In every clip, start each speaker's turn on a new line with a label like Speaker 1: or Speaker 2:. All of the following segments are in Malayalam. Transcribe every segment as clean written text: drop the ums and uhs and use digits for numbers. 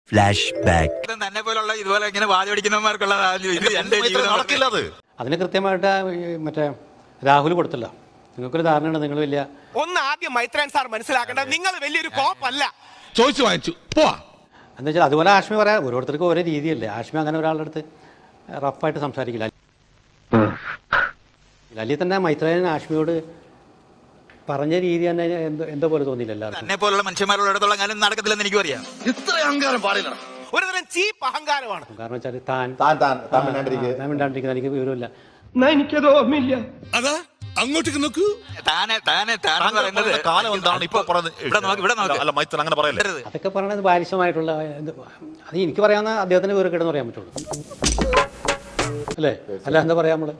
Speaker 1: Flash back.
Speaker 2: തന്നെ പോലുള്ള ഇതുപോലെ ഇങ്ങനെ വാചടിക്കുന്നവർക്കുള്ള ഇത് എന്റെ ജീവിതം
Speaker 3: നടക്കില്ല. അത്
Speaker 4: അതിന് കൃത്യമായിട്ട് മറ്റേ രാഹുൽ കൊടുത്തല്ലോ. നിങ്ങൾക്കൊരു ധാരണയുണ്ട് നിങ്ങൾ വലിയ
Speaker 5: ഒന്ന് ആദ്യം മൈത്രൻ സാർ മനസ്സിലാക്കേണ്ടത് നിങ്ങൾ വലിയൊരു കോപ്പല്ല.
Speaker 6: ചോദിച്ചു വാങ്ങിച്ചു പോവാ.
Speaker 4: എന്താ വെച്ചാൽ അതുപോലെ ആഷ്മി പറയാം, ഓരോരുത്തർക്കും ഓരോ രീതിയല്ലേ. ആഷ്മി അങ്ങനെ ഒരാളുടെ അടുത്ത് റഫായിട്ട് സംസാരിക്കില്ല. അല്ലെങ്കിൽ തന്നെ മൈത്രേയൻ ആഷ്മിയോട് പറഞ്ഞ രീതി തന്നെ എന്തോ പോലെ തോന്നിയില്ല എല്ലാവർക്കും.
Speaker 2: തന്നെ പോലുള്ള മനുഷ്യന്മാരുള്ളിടത്തോളം കാലം നടക്കത്തില്ലെന്ന് എനിക്കും അറിയാം.
Speaker 3: ഇത്ര അഹങ്കാരം പാടില്ല.
Speaker 5: ഒരുതരം ചീപ്പ് അഹങ്കാരമാണ്.
Speaker 4: കാരണം വെച്ചാൽ താൻ മിണ്ടാണ്ടിരിക്കുന്ന എനിക്ക് വിവരമില്ല.
Speaker 5: എനിക്കത് ഓർമ്മയില്ല.
Speaker 6: അതാ അങ്ങോട്ടേക്ക് നോക്കൂ.
Speaker 2: പറയുന്നത്
Speaker 3: കാലം എന്താണ് ഇപ്പൊ അല്ല മൈത്രൻ അങ്ങനെ പറയല്ലേ.
Speaker 4: അതൊക്കെ പറയണത് ബാലിശമായിട്ടുള്ള അത് എനിക്ക് പറയാവുന്ന അദ്ദേഹത്തിന് വിവരക്കേടെന്ന് പറയാൻ പറ്റുള്ളൂ അല്ലേ. അല്ല എന്താ പറയാ നമ്മള്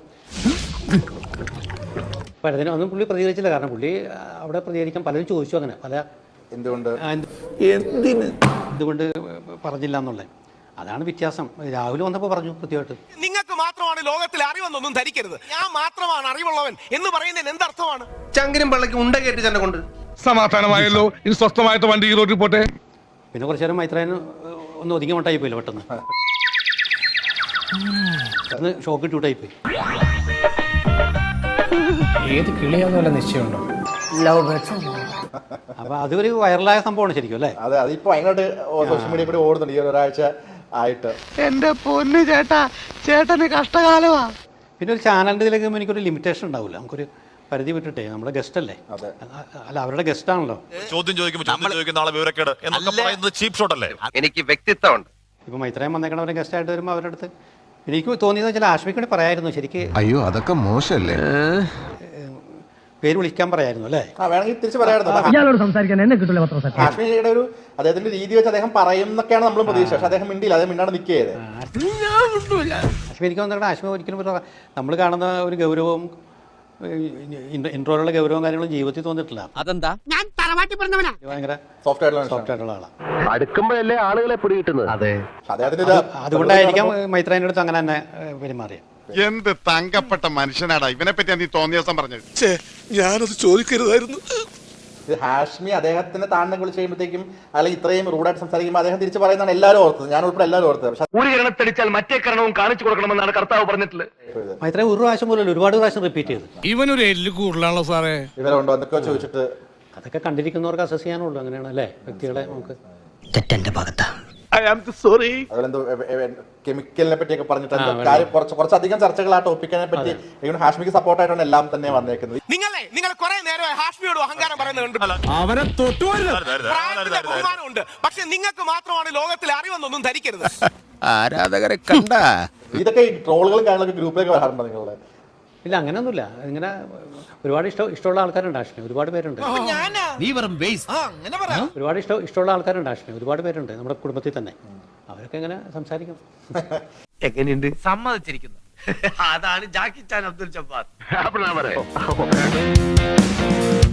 Speaker 4: അപ്പം അതിന് ഒന്നും പുള്ളി പ്രതികരിച്ചില്ല. കാരണം പുള്ളി അവിടെ പ്രതികരിക്കാൻ പലരും ചോദിച്ചു അങ്ങനെ പല എന്തുകൊണ്ട് പറഞ്ഞില്ല എന്നുള്ളത്. അതാണ് വ്യത്യാസം. രാഹുൽ വന്നപ്പോൾ പറഞ്ഞു കൃത്യമായിട്ട്.
Speaker 5: നിങ്ങൾക്ക് മാത്രമാണ് ലോകത്തിൽ അറിവെന്നൊന്നും ധരിക്കരുത്. ഞാൻ മാത്രമാണ് അറിവുള്ളവൻ എന്ന് പറയുന്നതിന് എന്തർത്ഥമാണ്?
Speaker 7: ചങ്കിലും പള്ളക്ക് ഉണ്ട കയറ്റി തന്നെ കൊണ്ട്
Speaker 6: സമാധാനമായല്ലോ. ഇനി സ്വസ്ഥമായിട്ട് വണ്ടി ഈ റോഡിൽ പോട്ടെ.
Speaker 4: പിന്നെ കുറച്ചു നേരം മൈത്രേന് ഒന്ന് ഒതുങ്ങി മട്ടായി പോയില്ല പെട്ടെന്ന്. പെട്ടെന്ന് ഷോക്ക് ഇട്ടൂട്ടായിപ്പോയി.
Speaker 7: ഏത് കിളിയാന്നുള്ള നിശ്ചയമുണ്ടോ?
Speaker 4: അപ്പൊ അതൊരു വൈറലായ സംഭവമാണ് ശരിക്കും അല്ലേ.
Speaker 8: അതെ, അതിപ്പോ ഭയങ്കരമായിട്ട് സോഷ്യൽ മീഡിയ കൂടി ഓടുന്നുണ്ട് ഈ ഒരാഴ്ച ആയിട്ട്.
Speaker 7: എന്റെ പൊന്ന് ചേട്ടാ, ചേട്ടന് കഷ്ടകാലമാ.
Speaker 4: പിന്നെ ഒരു ചാനലിൻ്റെ ഇതിലേക്ക് എനിക്കൊരു ലിമിറ്റേഷൻ ഉണ്ടാവില്ല. നമുക്കൊരു പരിധി വിട്ടിട്ടേ നമ്മുടെ ഗസ്റ്റ് അല്ലേ. അല്ല അവരുടെ ഗസ്റ്റ് ആണല്ലോ.
Speaker 3: ചോദ്യം ചോദിക്കുന്ന ആളെ വിവരക്കേട് എന്നൊക്കെ പറയുന്നത് ചീപ്പ് ഷോട്ട് അല്ലേ.
Speaker 7: എനിക്ക് വ്യക്തിത്വമുണ്ട്.
Speaker 4: ഇപ്പൊ മൈത്രേയൻ വന്നേക്കണവരെ ഗസ്റ്റ് ആയിട്ട് വരുമ്പോൾ അവരുടെ അടുത്ത് എനിക്ക് തോന്നിയെന്ന് വെച്ചാൽ ആശ്മിക്കൂടി പറയായിരുന്നു ശരിക്ക്.
Speaker 9: അയ്യോ അതൊക്കെ മോശമല്ലേ.
Speaker 4: പേര് വിളിക്കാൻ പറയായിരുന്നു അല്ലേ.
Speaker 8: വേണമെങ്കിൽ തിരിച്ച് പറയായിരുന്നു. കാശ്മീരിയുടെ ഒരു അദ്ദേഹത്തിന്റെ രീതി വെച്ച് അദ്ദേഹം പറയും എന്നൊക്കെയാണ് നമ്മൾ പ്രതീക്ഷ. പക്ഷെ അദ്ദേഹം മിണ്ടിയില്ല. അദ്ദേഹം മിണ്ടാണ്ട് നിൽക്കുകയത്.
Speaker 4: ആശ്മി എനിക്ക് വന്നിട്ട് ആശ്മി ഒരിക്കലും നമ്മൾ കാണുന്ന ഒരു ഗൗരവവും ഇൻട്രോയിലുള്ള ഗൗരവവും കാര്യങ്ങളും ജീവിതത്തിൽ തോന്നിയിട്ടില്ല.
Speaker 1: അതെന്താ?
Speaker 4: ഭയങ്കര
Speaker 8: സോഫ്റ്റ്
Speaker 4: ആയിട്ടുള്ള ആളാണ്.
Speaker 7: അടുക്കുമ്പോഴല്ലേ ആളുകളെ പിടി കിട്ടുന്നത്. അതെ,
Speaker 4: അതുകൊണ്ടായിരിക്കാം മൈത്രേന്റെ അടുത്ത് അങ്ങനെ തന്നെ പെരുമാറിയത്.
Speaker 9: എന്ത് തങ്കപ്പെട്ട മനുഷ്യനാടാ ഇവനെ പറ്റി നീ തോന്നിയ ദിവസം പറഞ്ഞത്.
Speaker 6: ഞാനത് ചോദിക്കരുതായിരുന്നു.
Speaker 8: ഇത് ഹാഷ്മി അദ്ദേഹത്തിന് താഴ്ന്ന വിളിച്ച് കഴിയുമ്പോഴത്തേക്കും അല്ലെങ്കിൽ ഇത്രയും റൂഡായിട്ട് സംസാരിക്കുമ്പോൾ അദ്ദേഹം തിരിച്ച് പറയുന്നതാണ് എല്ലാവരും ഓർത്തത്. ഞാൻ ഉൾപ്പെടെ എല്ലാവരും ഓർത്തത്. പക്ഷെ
Speaker 7: ഒരു കിരണത്തടിച്ചാൽ മറ്റേ കിരണവും കാണിച്ചു കൊടുക്കണമെന്നാണ് കർത്താവ് പറഞ്ഞിട്ടുള്ളത്.
Speaker 4: മൈത്രേയൻ ഒരു പ്രാവശ്യം പോലും ഒരുപാട് പ്രാവശ്യം റിപ്പീറ്റ് ചെയ്തു.
Speaker 6: ഇവനൊരു എല്ല് കൂടുതലാണല്ലോ സാറേ.
Speaker 8: ഇവരുണ്ടോ എന്തൊക്കെയോ ചോദിച്ചിട്ട്
Speaker 4: അതൊക്കെ കണ്ടിരിക്കുന്നവർക്ക് അസസ് ചെയ്യാനുള്ളൂ. അങ്ങനെയാണ് അല്ലേ വ്യക്തികളെ നമുക്ക്.
Speaker 1: തെറ്റെന്റെ ഭാഗത്താ.
Speaker 8: കെമിക്കലിനെ പറ്റിയൊക്കെ പറഞ്ഞിട്ട് കാര്യം കുറച്ചധികം ചർച്ചകൾ ആ ടോപ്പിക്കിനെ പറ്റി ഹാഷ്മിക്ക് സപ്പോർട്ടായിട്ടാണ് എല്ലാം തന്നെ വന്നേക്കുന്നത്.
Speaker 5: നിങ്ങൾ കുറെ നേരമായി ഹാഷ്മിയോട് അഹങ്കാരം പറയുന്നുണ്ട്.
Speaker 6: അവനെ
Speaker 5: ബഹുമാനമുണ്ട്. പക്ഷെ നിങ്ങൾക്ക് മാത്രമാണ് ലോകത്തിൽ അറിവെന്നൊന്നും ധരിക്കരുത്.
Speaker 1: ആരാധകരെ കണ്ട
Speaker 8: ഇതൊക്കെ ട്രോളുകളും കാര്യങ്ങളൊക്കെ ഗ്രൂപ്പിലേക്ക് വരാറുണ്ടോ നിങ്ങളുടെ?
Speaker 4: ഇല്ല അങ്ങനെയൊന്നുമില്ല. ഇങ്ങനെ ഒരുപാട് ഇഷ്ടമുള്ള ആൾക്കാരുണ്ട് ആഷ്മി. ഒരുപാട് പേരുണ്ട്. ഒരുപാട് ഇഷ്ടമുള്ള ആൾക്കാരുണ്ട് ആഷ്മി. ഒരുപാട് പേരുണ്ട് നമ്മുടെ കുടുംബത്തിൽ തന്നെ. അവരൊക്കെ എങ്ങനെ സംസാരിക്കും.
Speaker 7: എങ്ങനെയുണ്ട്? സമ്മതിച്ചിരിക്കുന്നു. അതാണ് ജാക്കി ചാൻ അബ്ദുൽ ജബ്ബാർ.